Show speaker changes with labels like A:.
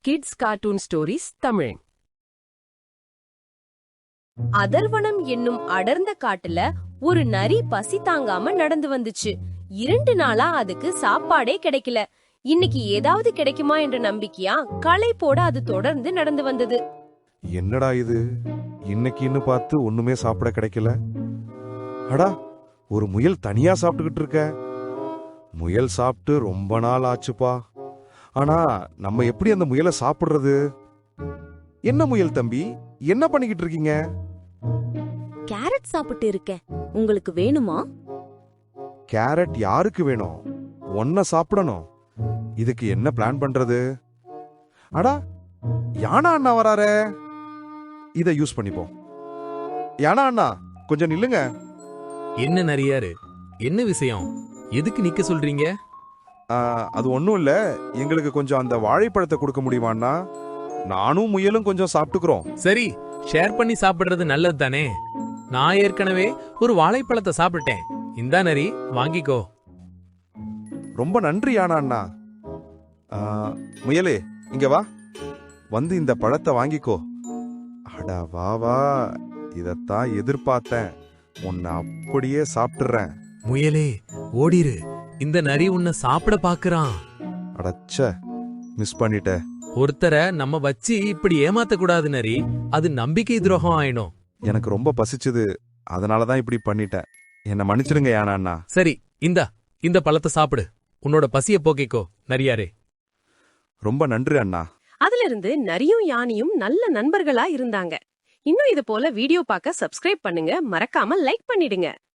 A: Kids cartoon stories Tamil.
B: அதர்வனம் என்னும் அடர்ந்த காட்டுல ஒரு நரி பசி தாங்காம நடந்து வந்துச்சு. 2 நாளா அதுக்கு சாப்பாடே கிடைக்கல. இன்னைக்கு ஏதாவது கிடைக்குமா என்ற நம்பிக்கையா களைப்போட அது தொடர்ந்து நடந்து வந்தது.
C: என்னடா இது, இன்னைக்குன்னு பார்த்து ஒண்ணுமே சாப்பிட கிடைக்கல. அடா, ஒரு முயல் தனியா சாப்பிட்டுக்கிட்டு இருக்க. முயல் சாப்பிட்டு ரொம்ப நாள் ஆச்சுப்பா. ஆனா நம்ம எப்படி அந்த முயலை சாப்பிடுறது? என்ன முயல் தம்பி, என்ன பண்ணிக்கிட்டு இருக்கீங்க?
D: கேரட் சாப்பிட்டு இருக்கேன். உங்களுக்கு வேணுமா?
C: கேரட் யாருக்கு வேணும்? ஒன்ன சாப்பிடணும். இதுக்கு என்ன பிளான் பண்றது? அடா, யானா அண்ணா வராரே, இத யூஸ் பண்ணிப்போம். யானா அண்ணா, கொஞ்சம் நில்லுங்க.
E: என்ன நரியாரு, என்ன விஷயம்? எதுக்கு நிக்க சொல்றீங்க?
C: அது ஒண்ணும் இல்ல, எங்களுக்கு கொஞ்சம் அந்த வாழைப்பழத்தை கொடுக்க முடியுமாண்ணா? நானும் முயலும் கொஞ்சம் சாப்பிட்டுக்கிறோம்.
E: சரி, ஷேர் பண்ணி சாப்பிடுறது நல்லது தானே. நான் ஏற்கனவே ஒரு வாழைப்பழத்தை சாப்பிட்டேன். இந்தா நரி, வாங்கிக்கோ.
C: ரொம்ப நன்றி யானா அண்ணா. முயலே, இங்க வா, வந்து இந்த பழத்தை வாங்கிக்கோ. அடா வா வா, இதத்தான் எதிர்பார்த்தேன். உன்னை அப்படியே சாப்பிட்டுறேன்.
E: முயலே, ஓடிரு. இந்த நரி உன்னை சாப்பிட பாக்குறான்.
C: அடச்ச, மிஸ் பண்ணிட்ட.
E: ஒருத்தரை நம்ம வச்சு இப்படி ஏமாத்த கூடாது நரி, அது நம்பிக்கை துரோகம் ஆயிடும்.
C: எனக்கு ரொம்ப பசிச்சுது, அதனாலதான் இப்படி பண்ணிட்டேன். என்ன மன்னிச்சிடுங்க யானா அண்ணா.
E: சரி, இந்த பழத்தை சாப்பிடு. உன்னோட பசிய போக்கிக்கோ நரியாரே.
C: ரொம்ப நன்றி அண்ணா.
A: அதிலிருந்து நரியும் யானையும் நல்ல நண்பர்களா இருந்தாங்க. இன்னும் இது போல வீடியோ பார்க்க சப்ஸ்கிரைப் பண்ணுங்க, மறக்காம லைக் பண்ணிடுங்க.